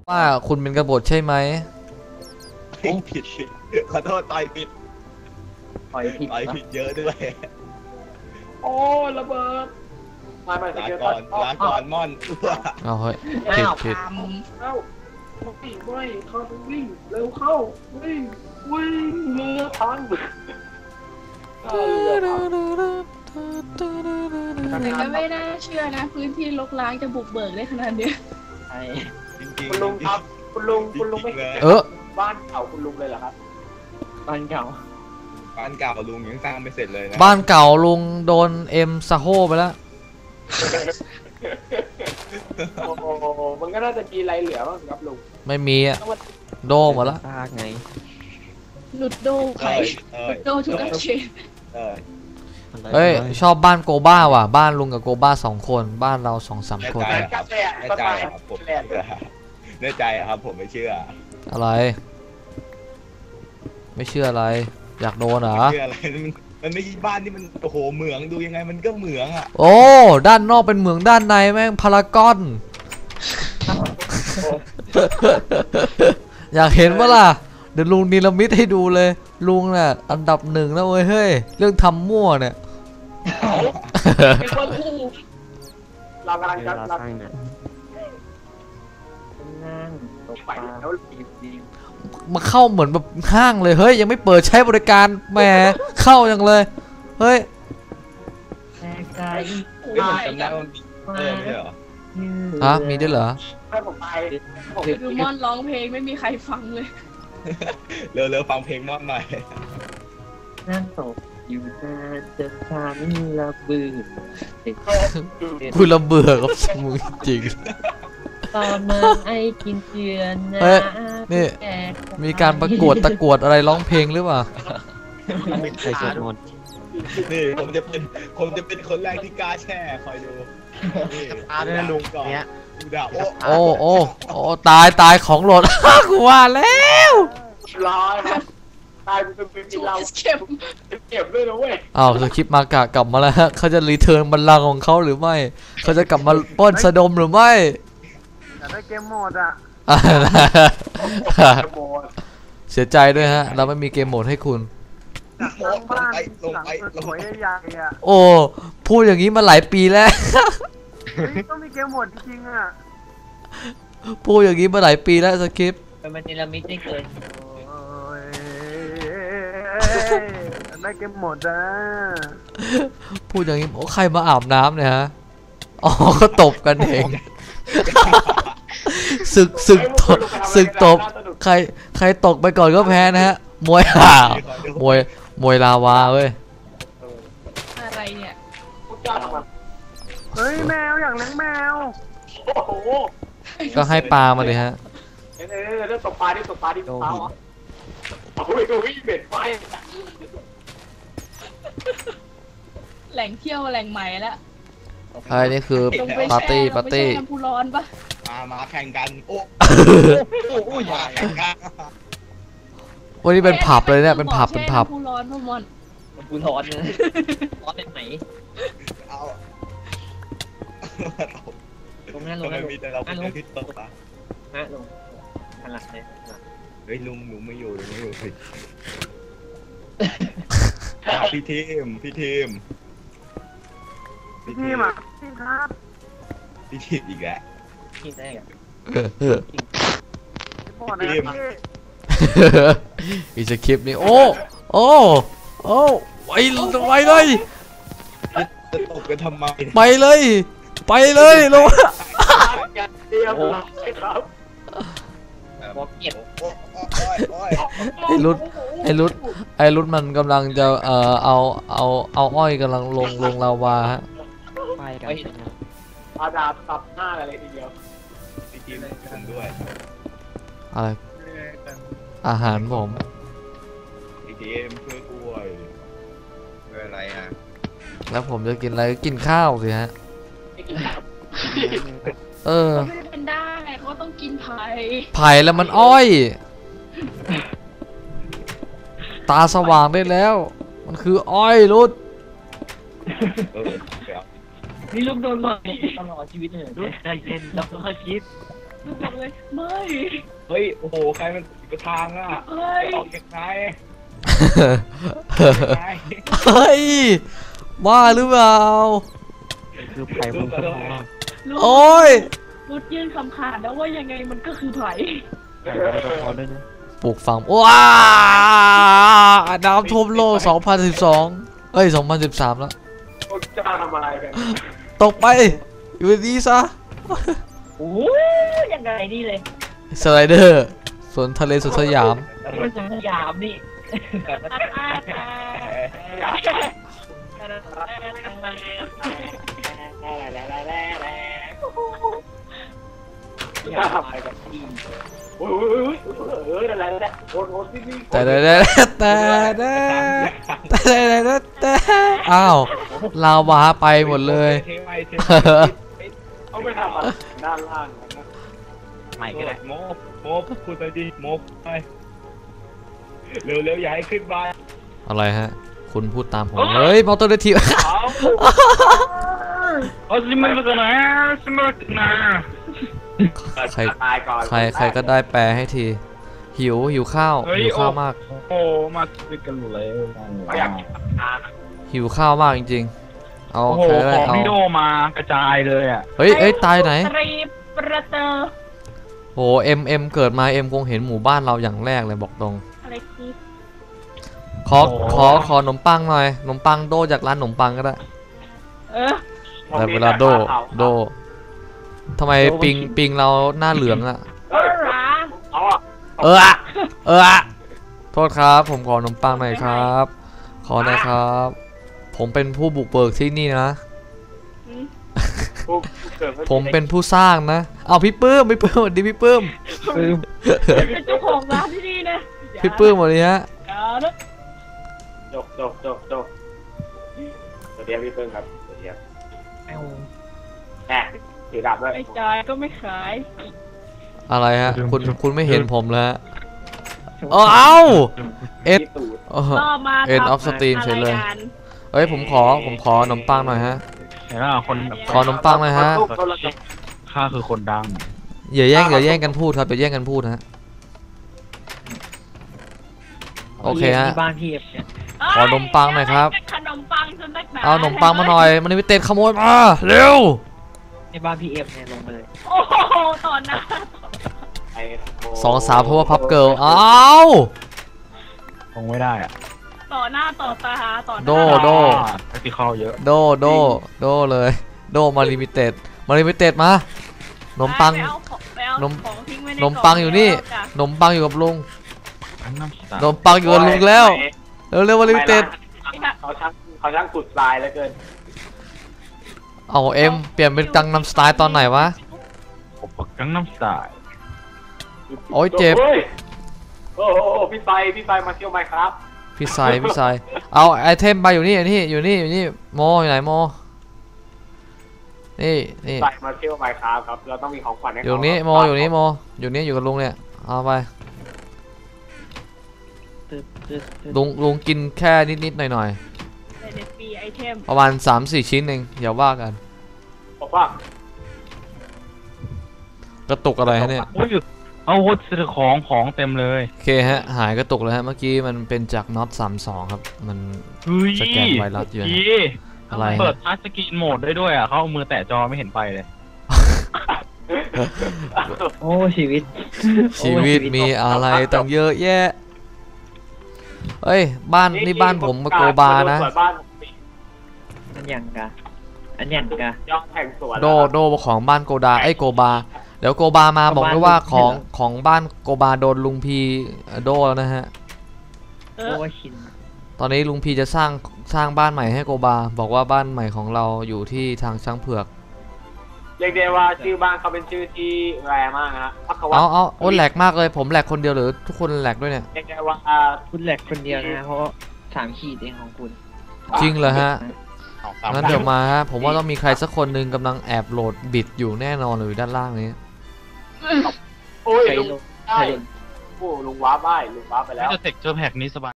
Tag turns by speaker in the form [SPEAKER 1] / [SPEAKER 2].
[SPEAKER 1] ว่าคุณเป็นกบฏใช่ไหม
[SPEAKER 2] ผิดขอโทษต่อยผิดเยอะด้วย
[SPEAKER 3] โอ้ระเบิดไม่
[SPEAKER 2] ลาก่อนม่อน
[SPEAKER 1] เอาเฮ้ยผิด
[SPEAKER 3] เข้าไม่เขาต้องวิ่งเร็วเข้าวิ่งเรือพัง
[SPEAKER 4] แต่ก็ไม่น่าเชื่อนะพื้นที่รกร้างจะบุกเบิกได้ขนาดนี้
[SPEAKER 2] จริง
[SPEAKER 3] คุณลุงครับคุณลุงไม่บ้านเก่าคุณลุงเลยเหรอครับ
[SPEAKER 2] บ้านเก่าลุงยังสร้างไม่เสร็จเลยนะ
[SPEAKER 1] บ้านเก่าลุงโดนเอ็มซาโฮไปแล้ว
[SPEAKER 3] โอ้มันก็น่าจะมีอะไรเหลือบ้างครับลุง
[SPEAKER 1] ไม่มีอะโดหมดแล้ว
[SPEAKER 5] ไง
[SPEAKER 4] หลุดโดใครโดชุกเชน
[SPEAKER 1] เฮ้ยชอบบ้านโกบ้าว่ะบ้านลุงกับโกบ้า2 คนบ้านเรา2-3 คน
[SPEAKER 2] แน่ใจผมแน่ใจครับผมไม่เชื่อ
[SPEAKER 1] อะไรไม่เชื่ออะไรอยากโดนเหรอ
[SPEAKER 2] เชื่ออะไรมันไม่ใช่บ้านที่มันโอ้โหเหมืองดูยังไงมันก็เหมืองอ่ะ
[SPEAKER 1] โอ้ด้านนอกเป็นเหมืองด้านในแม่งพารากอนอยากเห็นว่าล่ะเดี๋ยวลุงนิรมิตให้ดูเลยลุงเนี่ยอันดับ1แล้วเฮ้ยเรื่องทำมั่วเนี่ย
[SPEAKER 3] เรากำลังจะ
[SPEAKER 1] มาเข้าเหมือนแบบห้างเลยเฮ้ยยังไม่เปิดใช้บริการแหมเข้าอย่างเลยเฮ้ยฮะมีด้วยเหรอ
[SPEAKER 3] ให้ผมไป
[SPEAKER 4] คือม่อนร้องเพลงไม่มีใครฟังเลย
[SPEAKER 2] เร็วฟังเพลงม่อนหน่อย
[SPEAKER 5] นั่งตกอยู่นานจะฉันระเบื่อ
[SPEAKER 1] คุณระเบื่อกับมึงจริง
[SPEAKER 5] ตอนมาไอ้กินเกลือนะ
[SPEAKER 1] เฮ้ยนี่มีการประกวดตะกวดอะไรร้องเพลงหรือเปล่า
[SPEAKER 5] ใครสวดมนต์
[SPEAKER 2] นี่ผมจะเป็นคนแรกที่กล้าแช่คอยดูนี่ลุงก่อน
[SPEAKER 1] โอ้ตายของหล่นกูว่าแล้ว
[SPEAKER 3] ร้อยตายเป็นเราเก็บด้วยนะเว้ย
[SPEAKER 1] อ้าวสคริปต์มากะกลับมาแล้วฮะเขาจะรีเทิร์นบัลลังก์ของเขาหรือไม่เขาจะกลับมาป้นสะดมหรือไม่
[SPEAKER 3] อยากได้เกมโหมดอ่ะ
[SPEAKER 1] เสียใจด้วยฮะเราไม่มีเกมโหมดให้คุณ
[SPEAKER 3] ลงไปใหญ่ๆอ่ะ
[SPEAKER 1] โอ้พูดอย่างนี้มาหลายปีแล้ว
[SPEAKER 3] ต้องมีเกมโหมดจริงๆอ่ะ
[SPEAKER 1] พูดอย่างนี้มาหลายปีแล้วสคริปต์
[SPEAKER 5] มันนิรมิตไม่เกิน
[SPEAKER 3] ได้เกมโหมดอ่ะ
[SPEAKER 1] พูดอย่างนี้โอ้ใครมาอาบน้ำเนี่ยฮะอ๋อก็ตบกันเองศึกตบใครตกไปก่อนก็แพ้นะฮะมวยลาวาเว้ย
[SPEAKER 4] อะไรเนี่ย
[SPEAKER 3] เฮ้ยแมวอย่างเลี้ยงแมวโอ้โห
[SPEAKER 1] ก็ให้ปลามาเลยฮะ
[SPEAKER 3] เรื่องตกปลาที่ปลาเหรอโอ้ยเบ็ดไฟ
[SPEAKER 4] แหล่งเที่ยวแหล่งใหม่แล้ว
[SPEAKER 1] ใช่นี่คือปาร์ตี้
[SPEAKER 4] น้ำพุร้อนปะ
[SPEAKER 2] มาแข่งกันโอ้ยแข่งกัน
[SPEAKER 1] วันนี้เป็นผับเลยเนี่ยเป็นผับ
[SPEAKER 4] น้ำพุร้อนพ่อมอน
[SPEAKER 5] น้ำพุร้อนเลยร้อนเป็นไหน
[SPEAKER 2] เอา
[SPEAKER 5] ตรงนั้นลง
[SPEAKER 2] มีแต่เราเป็นที่ตกปะ
[SPEAKER 5] ลงขนาดไหน
[SPEAKER 2] เฮ้ยลุงหนูไม่อยู่สิพี่ทีมอ่ะพี่ครับพี่ทีมอีกแล้ว
[SPEAKER 5] ทีมแรก
[SPEAKER 2] ทีม
[SPEAKER 1] อีสคริปต์นี่โอ้ไปเลย
[SPEAKER 2] จะตกกันทำไม
[SPEAKER 1] ไปเลยลงไอ้รุดมันกำลังจะเอาอ้อยกำลังลงลาวาฮะ
[SPEAKER 5] ไปกัน
[SPEAKER 3] อาดาบตับหน้าอะไรทีเดียว
[SPEAKER 2] พี่ทีมผมด้วย
[SPEAKER 1] อะไรอาหารผม
[SPEAKER 2] พี่ทีมช่วยด้วยอะไรอ่ะ
[SPEAKER 1] แล้วผมจะกินอะไรกินข้าวสิฮะ
[SPEAKER 4] ไม่เป็นได้เขาต้องกินไผ่
[SPEAKER 1] แล้วมันอ้อยตาสว่างได้แล้วมันคืออ้อยรุด
[SPEAKER 5] นี่ลูกโดนมาตลอดชีวิตเลยได้เล่นแล้วก็คิด
[SPEAKER 4] ลุงบอกเลยไม่
[SPEAKER 2] เฮ้ยโอ้โหใครมันปิดทางอ่ะ
[SPEAKER 4] เฮ้ย
[SPEAKER 2] ออกจากไหน
[SPEAKER 1] เฮ้ยบ้าหรือเปล่า
[SPEAKER 5] คือไผ่บนสะพาน
[SPEAKER 4] ลุง
[SPEAKER 1] โอ้ย
[SPEAKER 4] รุดยื่นคำขาดแล้วว่ายังไงมันก็คือไผ่
[SPEAKER 5] ไผ่บนสะพานด้วยนะ
[SPEAKER 1] ปลูกฝังว้าน้ำท่วมโลก 2012 เอ้ย 2013 แล้ว
[SPEAKER 2] พวกเจ้าทำอะไรกัน
[SPEAKER 1] ตกไป อยู่ดีๆซะ
[SPEAKER 4] โอ้ยยังไงนี่เลย
[SPEAKER 1] สไลเดอร์สวนทะเลสวนสยาม
[SPEAKER 4] มันสยามนี่
[SPEAKER 2] อย่าทำอะไรกันโอ้ยอะไรโอ้ยนี่
[SPEAKER 1] แต่อ้าวลาวาไปหมดเลย
[SPEAKER 2] เอาไปทำอะไรด้านล่างนะ
[SPEAKER 5] ไม่ก็ได้
[SPEAKER 2] โมพูดไปดิโมไปเร็วอย่าให้ขึ้นบ้าน
[SPEAKER 1] อะไรฮะ คุณพูดตามผม เฮ้ยมอเตอร์เดทีฟ
[SPEAKER 2] เอาสิมันเป็นไงสิมันเป็นไง
[SPEAKER 1] ใคร
[SPEAKER 2] ตายก่อน
[SPEAKER 1] ใครก็ได้แปลให้ที หิวข้าวมาก
[SPEAKER 2] โอ้มาซื้อกันเลยอยากกินอาหาร
[SPEAKER 1] หิวข้าวมากจริงๆ เอา
[SPEAKER 2] โอ้โห
[SPEAKER 1] ใครก็ได้
[SPEAKER 2] ของ
[SPEAKER 1] เอา
[SPEAKER 2] พี่โดมากระจายเลยอ่ะ
[SPEAKER 1] เฮ้ยตายไหน
[SPEAKER 4] ตรีประเตอร์
[SPEAKER 1] โหเอ็มเกิดมาเอ็มคงเห็นหมู่บ้านเราอย่างแรกเลยบอกตรง
[SPEAKER 4] อะไรคือ
[SPEAKER 1] ขอขนมปังหน่อยขนมปังโดจากร้านขนมปังก็ได้
[SPEAKER 4] เออ
[SPEAKER 1] แต่เวลาโดทำไมปิงเราหน้าเหลืองอะ
[SPEAKER 4] เออหรา
[SPEAKER 2] เอาอ่ะ
[SPEAKER 1] โทษครับ ผมขอขนมปังหน่อยครับ ขอหน่อยครับ ผมเป็นผู้บุกเบิกที่นี่นะ
[SPEAKER 4] อืม
[SPEAKER 1] ผมเป็นผู้สร้างนะ เอาพี่ปื้มสวัสดีพี่ปื้ม
[SPEAKER 4] เป็นเจ้าของร้านที่นี่นะ
[SPEAKER 1] พี่ปื้มสวัสดีฮะ
[SPEAKER 4] อย่านะ
[SPEAKER 2] จบสวัสดีพี่เปิ้ลครับสวัสดีครับ
[SPEAKER 5] เอา
[SPEAKER 2] แหมถือดาบด้วย
[SPEAKER 4] ไม่จ่ายก็ไม่ขาย
[SPEAKER 1] อะไรฮะ คุณไม่เห็นผมแล้วฮะเอ้าเอ็ด
[SPEAKER 2] ที่ตูด
[SPEAKER 4] ก็มา
[SPEAKER 1] เอ็นออฟสตรีมเฉยเลย เอ้ยผมขอขนมปังหน่อยฮะ
[SPEAKER 2] เห็นไหมคน
[SPEAKER 1] ขอขนมปังหน่อยฮะ
[SPEAKER 2] ข้าคือคนดัง
[SPEAKER 1] อย่าแย่งกันพูดครับอย่าแย่งกันพูดนะฮะ โอเคฮะ
[SPEAKER 5] ที่บ้านพี่เอฟเนี่ย
[SPEAKER 1] ขอนมปังหน่อยครับ
[SPEAKER 4] ขนมปังจนนักหนา
[SPEAKER 1] เอาขนมปังมาหน่อย มันไม่เต็ดขโมยมาเร็ว
[SPEAKER 5] ในบ้านพี่เอฟเนี่ยลงมาเลย
[SPEAKER 4] โอ้โหตอนนั้น
[SPEAKER 1] สองสาวเพราะว่าพับเกิลอ้าว
[SPEAKER 2] คงไม่ได้อ่ะ
[SPEAKER 4] ต่อหน้าต่อตาต่อหน้า
[SPEAKER 1] โด
[SPEAKER 2] แท็กซี่เข้าเยอะ
[SPEAKER 1] โดเลย โดมาลิมิเต็ดมาขนมปัง
[SPEAKER 4] ไปเอาของทิ้งไว้ใน
[SPEAKER 1] ขนมปังอยู่นี่
[SPEAKER 4] จ้ะ
[SPEAKER 1] ขนมปังอยู่กับลุง
[SPEAKER 2] น้ำ
[SPEAKER 1] ขนมปังอยู่กับลุงแล้วเร็วมาลิมิเต็ด
[SPEAKER 2] เขาช่างขุดทรายแล้วเกิน
[SPEAKER 1] เอาเอ็มเปลี่ยนเป็นกังนำสไตล์ตอนไหนวะ
[SPEAKER 2] กังน้ำสาย
[SPEAKER 1] โอ้ยเจ็บ
[SPEAKER 2] โอ้พี่ไฟมาเที่ยวไหมครับ
[SPEAKER 1] พี่สายเอาไอเทมไปอยู่นี่อยู่นี่โมอยู่ไหนโมนี่
[SPEAKER 2] ไฟมาเที่ยวไหมครับเราต้องมีของขวัญให้
[SPEAKER 1] อยู่นี่โมอยู่นี่อยู่กับลุงเนี่ยเอาไป
[SPEAKER 5] ตึ๊ด
[SPEAKER 1] ลุงกินแค่นิดหน่อย
[SPEAKER 4] ในฟรีไอเทม
[SPEAKER 1] ประมาณ 3-4 ชิ้นเองอย่าว่ากัน
[SPEAKER 2] บอกว่าก
[SPEAKER 1] ระตุกอะไรฮะเนี่ย
[SPEAKER 2] เอาวุธซื้อของเต็มเลย
[SPEAKER 1] โอเคฮะหายกระตุกแล้วฮะเมื่อกี้มันเป็นจากน็อต32ครับมันสแกนไวรัสอยู่ฮะอะไร
[SPEAKER 2] เปิ
[SPEAKER 1] ฮะ
[SPEAKER 2] ดทัชสกรีนโหมดได้ด้วยอ่ะเขาเอามือแตะจอไม่เห็นไฟเลย
[SPEAKER 5] โอ้ชีวิต
[SPEAKER 1] ชีวิตมีอะไรตั้งเยอะแยะเฮ้ยนี่บ้านผมมาโกบานะ
[SPEAKER 5] อันอย่างกะอันอย่างกะ
[SPEAKER 2] ยอดแห่งสวน
[SPEAKER 1] โดของบ้านโกดาโกบาเดี๋ยวโกบามาบอกด้วยว่าของบ้านโกบาโดนลุงพีโดแล้วนะฮะ
[SPEAKER 4] เอ
[SPEAKER 5] โอ้
[SPEAKER 4] อ
[SPEAKER 5] ชิน
[SPEAKER 1] ตอนนี้ลุงพีจะสร้างบ้านใหม่ให้โกบาบอกว่าบ้านใหม่ของเราอยู่ที่ทางช้างเผือก
[SPEAKER 2] เรียกได้ว่าชื่อบ้านเขาเป็นชื่อที่แรงมากนะพักวั
[SPEAKER 1] โอ้แหลกมากเลยผมแหลกคนเดียวหรือทุกคนแหลกด้วยเนี่ย
[SPEAKER 2] เรียกได้ว่า
[SPEAKER 5] คุณแหลกคนเดียวนะเพราะ3 ขีดเองของคุณ
[SPEAKER 1] จริงเหรอฮะงั้นเดี๋ยวมาฮะผมว่าต้องมีใครสักคนหนึ่งกำลังแอบโหลดบิดอยู่แน่นอนเลยด้านล่างนี้
[SPEAKER 2] โอ้ย
[SPEAKER 5] ไป
[SPEAKER 2] ลุง
[SPEAKER 5] ลง
[SPEAKER 2] ได้โอ้ลุงว้าบ้ายลุงว้าไปแล้ว
[SPEAKER 6] จะเทคเจอร์แพ็กนี้สบาย